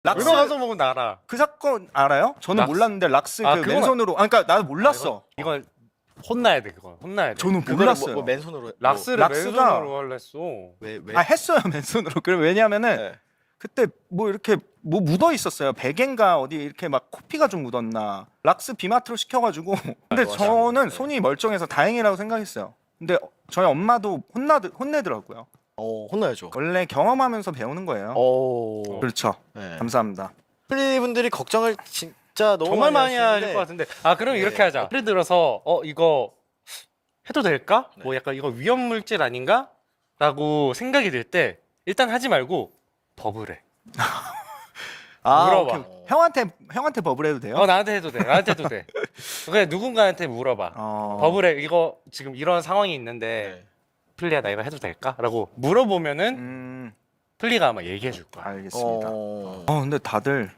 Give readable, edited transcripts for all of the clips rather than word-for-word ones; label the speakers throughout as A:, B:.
A: 락스
B: 가서 먹으면 알아.
A: 그 사건 알아요? 저는
B: 락스?
A: 몰랐는데 락스
B: 아,
A: 그
B: 그건-
A: 맨손으로 그러니까 나도 몰랐어.
B: 이건 혼나야 돼. 그건 혼나야 돼.
A: 저는
C: 그거를
A: 몰랐어요.
C: 뭐 맨손으로
B: 락스를
A: 락스가-
B: 맨손으로 할래 했어.
C: 왜?
A: 아 했어요 맨손으로. 그래 왜냐면은
C: 네.
A: 그때 뭐 이렇게 뭐 묻어 있었어요. 베개인가 어디 이렇게 막 코피가 좀 묻었나. 락스 비마트로 시켜가지고. 근데
C: 맞아.
A: 저는
C: 네.
A: 손이 멀쩡해서 다행이라고 생각했어요. 근데 저희 엄마도 혼내더라고요.
C: 혼나야죠.
A: 원래 경험하면서 배우는 거예요. 그렇죠.
C: 네.
A: 감사합니다.
C: 플리 분들이 걱정을 진짜 너무
B: 정말 많이
C: 하시는데
B: 할 것 같은데. 아 그럼
C: 네.
B: 이렇게 하자. 예를 들어서 이거 해도 될까?
C: 네.
B: 뭐 약간 이거 위험 물질 아닌가? 라고 생각이 들 때 일단 하지 말고 버블해. 물어봐.
A: 오케이. 형한테 버블 해도 돼요?
B: 나한테 해도 돼. 나한테 해도 돼. 그냥 누군가한테 물어봐. 버블에 이거 지금 이런 상황이 있는데
C: 네.
B: 플리야 나 이거 해도 될까? 라고 물어보면은 플리가 아마 얘기해 줄 거야.
A: 알겠습니다.
C: 어...
A: 근데 다들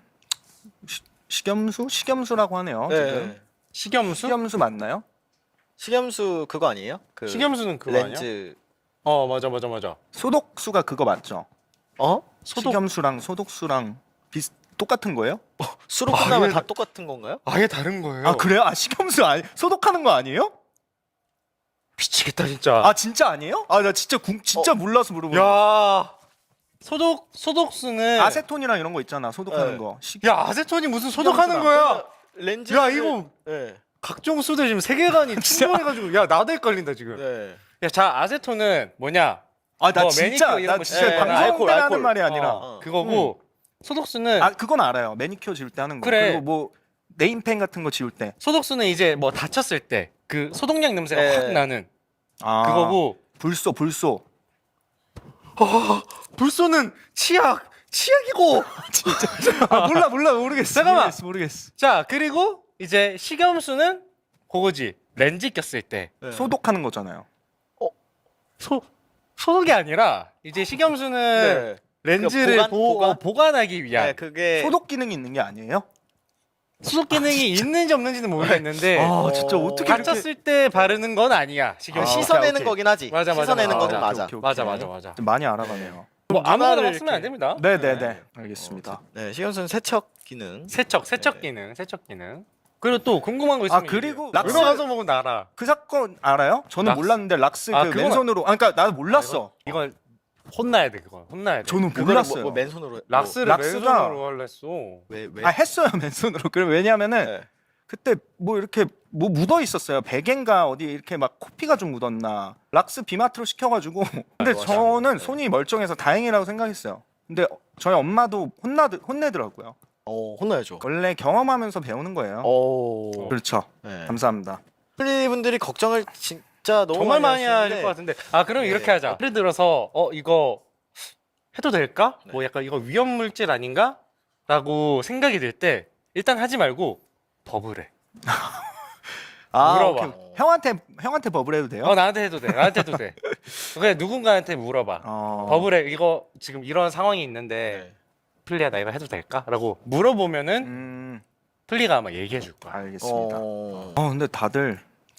A: 식염수라고 하네요. 지금
C: 네.
B: 식염수?
A: 식염수 맞나요?
C: 식염수 그거 아니에요? 그
B: 식염수는 그거 아니야?
C: 렌즈
B: 맞아.
A: 소독수가 그거 맞죠?
B: 소독?
A: 식염수랑 소독수랑 똑같은 거예요?
C: 수로 끝나면 다 똑같은 건가요?
B: 아예 다른 거예요.
A: 아 그래요? 아 식염수 소독하는 거 아니에요?
B: 미치겠다 진짜.
A: 아 진짜 아니에요? 아 나 진짜 몰라서 물어보는 거야.
B: 야 소독수는
A: 아세톤이랑 이런 거 있잖아 소독하는
C: 네.
A: 거.
B: 야 아세톤이 무슨 소독하는
A: 식염수랑.
B: 거야?
C: 렌즈
B: 야, 이거-
C: 네.
B: 각종 수들 지금 세계관이 충돌해가지고 야 나도 헷갈린다 지금.
C: 네.
B: 자 아세톤은 뭐냐?
A: 아 나
B: 뭐
A: 진짜
B: 매니큐어 이런
A: 나
B: 거
A: 진짜
C: 네,
A: 방송
C: 알코올,
A: 때 하는
C: 알코올.
A: 말이 아니라.
B: 그거고 소독수는
A: 아 그건 알아요. 매니큐어 지울 때 하는 거.
B: 그래.
A: 그리고 뭐 네임펜 같은 거 지울 때.
B: 소독수는 이제 뭐 다쳤을 때 그 소독약 냄새가
C: 네.
B: 확 나는
A: 아
B: 그거고
A: 불소.
B: 불소는 치약이고.
A: 아 몰라 모르겠어.
B: 잠깐만.
A: 모르겠어.
B: 자 그리고 이제 식염수는 그거지 렌즈 꼈을 때
C: 네.
A: 소독하는 거잖아요.
B: 소독이 아니라 이제 식염수는
C: 네.
B: 렌즈를
C: 보관?
B: 보관하기 위한
C: 네, 그게
A: 소독 기능이 있는 게 아니에요?
B: 소독 기능이 있는지 없는지는 모르겠는데
A: 아 진짜 어떻게 이렇게
B: 다쳤을 때 바르는 건 아니야
C: 그
B: 식염수.
C: 씻어내는
A: 오케이.
C: 거긴 하지.
B: 맞아.
C: 씻어내는 거는
B: 맞아.
C: 맞아.
A: 오케이.
B: 맞아.
A: 좀 많이 알아가네요.
B: 뭐 아무거나
C: 누나를
B: 쓰면 안
C: 이렇게-
B: 됩니다.
A: 네네네 알겠습니다.
C: 네, 식염수는 세척 기능.
B: 세척
C: 네.
B: 기능. 그리고 또 궁금한 거 있으면
A: 그리고
B: 락스
A: 락스-
B: 가서 먹으면 알아.
A: 그 사건 알아요? 저는
B: 락스?
A: 몰랐는데 락스 그
B: 그건-
A: 맨손으로 그러니까 나도 몰랐어.
B: 이건 혼나야 돼. 그건 혼나야 돼.
A: 저는
C: 그거를
A: 몰랐어요.
C: 뭐 맨손으로
B: 락스를
A: 락스가-
B: 맨손으로 할래 했어.
C: 왜?
A: 아 했어요 맨손으로. 그래 왜냐면은
C: 네.
A: 그때 뭐 이렇게 뭐 묻어 있었어요. 베개인가 어디 이렇게 막 코피가 좀 묻었나. 락스 비마트로 시켜가지고. 근데
C: 맞아.
A: 저는
C: 네.
A: 손이 멀쩡해서 다행이라고 생각했어요. 근데 저희 엄마도 혼내더라고요.
C: 혼나야죠.
A: 원래 경험하면서 배우는 거예요. 그렇죠.
C: 네.
A: 감사합니다.
C: 플리 분들이 걱정을 진짜 너무
B: 정말 많이 할
C: 하시는데
B: 것 같은데. 아 그럼
C: 네.
B: 이렇게 하자. 예를 들어서 이거 해도 될까?
C: 네.
B: 뭐 약간 이거 위험 물질 아닌가? 라고 생각이 들 때 일단 하지 말고 버블해. 물어봐.
A: 오케이. 형한테 버블 해도 돼요?
B: 나한테 해도 돼. 나한테 해도 돼. 그냥 누군가한테 물어봐. 버블에 이거 지금 이런 상황이 있는데
C: 네.
B: 플리야 나 이거 해도 될까? 라고 물어보면은 플리가 아마 얘기해 줄 거야.
A: 알겠습니다. 근데 다들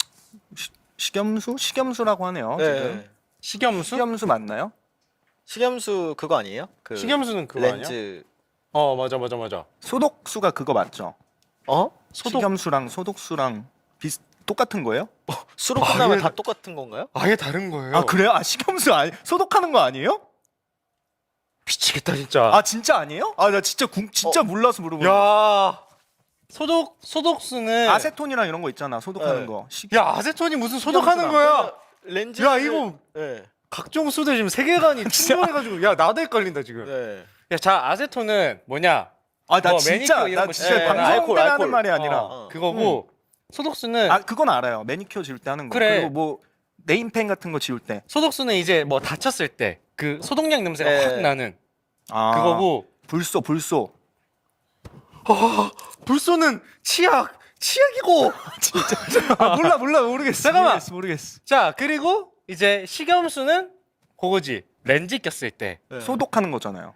A: 식염수라고 하네요. 지금
C: 네.
B: 식염수?
A: 식염수 맞나요?
C: 식염수 그거 아니에요? 그
B: 식염수는 그거 아니야?
C: 렌즈
B: 맞아.
A: 소독수가 그거 맞죠?
B: 소독?
A: 식염수랑 소독수랑 똑같은 거예요?
C: 수로 끝나면 다 똑같은 건가요?
B: 아예 다른 거예요.
A: 아 그래요? 아 식염수 소독하는 거 아니에요?
B: 미치겠다 진짜.
A: 아 진짜 아니에요? 아 나 진짜 몰라서 물어보는 거야.
B: 야 소독수는
A: 아세톤이랑 이런 거 있잖아 소독하는
C: 네.
A: 거.
B: 야 아세톤이 무슨 소독하는 거야?
C: 렌즈
B: 야, 이거-
C: 네.
B: 각종 수들 지금 세계관이 충돌해가지고 야 나도 헷갈린다 지금.
C: 네.
B: 자 아세톤은 뭐냐?
A: 아 나
B: 뭐
A: 진짜
B: 매니큐어 이런
A: 나
B: 거
A: 진짜
C: 지울 때
A: 방송
C: 알코올,
A: 때 하는
C: 알코올.
A: 말이 아니라.
B: 그거고 소독수는
A: 아 그건 알아요. 매니큐어 지울 때 하는 거.
B: 그래.
A: 그리고 뭐 네임펜 같은 거 지울 때.
B: 소독수는 이제 뭐 다쳤을 때 그 소독약 냄새가
C: 네.
B: 확 나는
A: 아
B: 그거고
A: 불소.
B: 불소는 치약이고.
A: 아 몰라 모르겠어.
B: 잠깐만.
A: 모르겠어.
B: 자 그리고 이제 식염수는 그거지 렌즈 꼈을 때
C: 네.
A: 소독하는 거잖아요.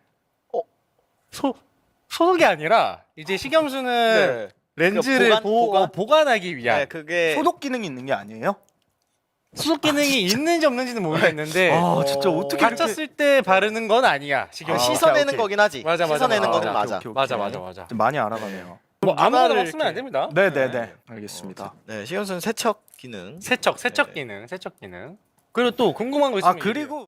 B: 소독이 아니라 이제 식염수는
C: 네.
B: 렌즈를
C: 보관?
B: 보관하기 위한
C: 네, 그게
A: 소독 기능이 있는 게 아니에요?
B: 수속 기능이 있는지 없는지는 모르겠는데
A: 아 진짜 어떻게 이렇게
B: 다쳤을 때 바르는 건 아니야. 신경
A: 아,
C: 씻어내는
A: 오케이.
C: 거긴 하지.
B: 맞아, 맞아,
C: 씻어내는
B: 맞아.
C: 거는 맞아.
A: 오케이, 오케이.
B: 맞아.
A: 좀 많이 알아가네요.
B: 뭐 아무거나
C: 누나를
B: 막 쓰면 안
C: 이렇게-
B: 됩니다.
A: 네네네 알겠습니다.
C: 네, 식염수는 세척 기능.
B: 세척
C: 네.
B: 기능. 그리고 또 궁금한 거
A: 아
B: 있으면
A: 그리고